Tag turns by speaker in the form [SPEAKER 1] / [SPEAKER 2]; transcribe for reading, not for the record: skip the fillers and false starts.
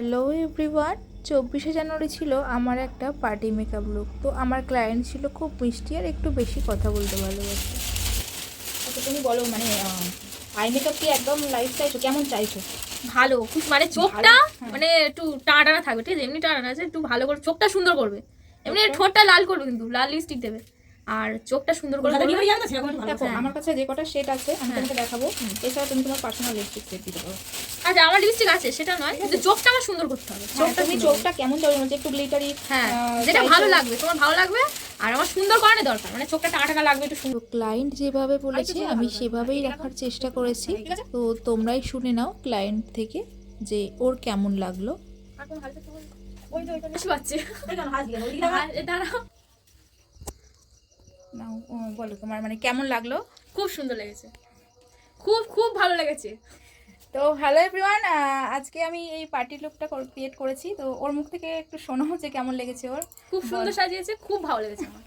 [SPEAKER 1] Hello everyone, 24শে জানুয়ারি ছিল আমার একটা পার্টি মেকআপ লুক। তো আমার ক্লায়েন্ট ছিল খুব মিষ্টি আর একটু বেশি কথা বলতে ভালোবাসে।
[SPEAKER 2] আচ্ছা তুমি বলো, মানে আই মেকআপ কি একদম লাইফ চাইছো, কেমন চাইছো?
[SPEAKER 3] ভালো, খুব মানে চোখটা
[SPEAKER 2] হ্যাঁ।
[SPEAKER 3] মানে একটু টানা টানা থাকবে, ঠিক আছে? এমনি টানা আছে, একটু ভালো করে চোখটা সুন্দর করবে। এমনি
[SPEAKER 2] চোখটা?
[SPEAKER 3] ঠোঁটটা লাল করবে, কিন্তু লাল লিপস্টিক দেবে আর চোখটা সুন্দর করে
[SPEAKER 2] কলকাতা
[SPEAKER 3] করবে।
[SPEAKER 2] নিয়ে যাবে না সেরকম একটু ভালো। দেখো
[SPEAKER 3] হ্যাঁ।
[SPEAKER 2] আমার কাছে যে কটা শেড আছে আমি
[SPEAKER 3] হ্যাঁ।
[SPEAKER 2] তোমাকে দেখাবো। এছাড়া তুমি তোমার পার্সোনাল লিপস্টিক সেট দিতে পারো।
[SPEAKER 3] আচ্ছা, আমার লিপস্টিক আছে সেটা নয়, কিন্তু চোখটা আমার সুন্দর করতে হবে। চোখটা
[SPEAKER 2] তুমি
[SPEAKER 3] সুন্দর
[SPEAKER 2] চোখটা কেমন চাইছো, মানে একটু গ্লিটারি?
[SPEAKER 3] করবে। হ্যাঁ, যেটা ভালো লাগবে, তোমার ভালো লাগবে। আর আমার সুন্দর করানো দরকার, মানে চোখটা টানা টানা লাগবে, একটু সুন্দর।
[SPEAKER 1] তো ক্লায়েন্ট যেভাবে বলেছে আমি সেভাবেই রাখার চেষ্টা করেছি। তো তোমরাই শুনে নাও ক্লায়েন্ট থেকে যে ওর কেমন লাগলো।
[SPEAKER 3] বেশি পাচ্ছে। দাঁড়াও,
[SPEAKER 2] নাও, বলো তোমার মানে কেমন লাগলো।
[SPEAKER 3] খুব সুন্দর লেগেছে, খুব খুব ভালো লেগেছে।
[SPEAKER 2] তো হ্যালো এভরিওয়ান, আজকে আমি এই পার্টি লুকটা ক্রিয়েট করেছি। তো ওর মুখ থেকে একটু শোনো যে কেমন লেগেছে ওর।
[SPEAKER 3] খুব সুন্দর সাজিয়েছে, খুব ভালো লেগেছে আমার।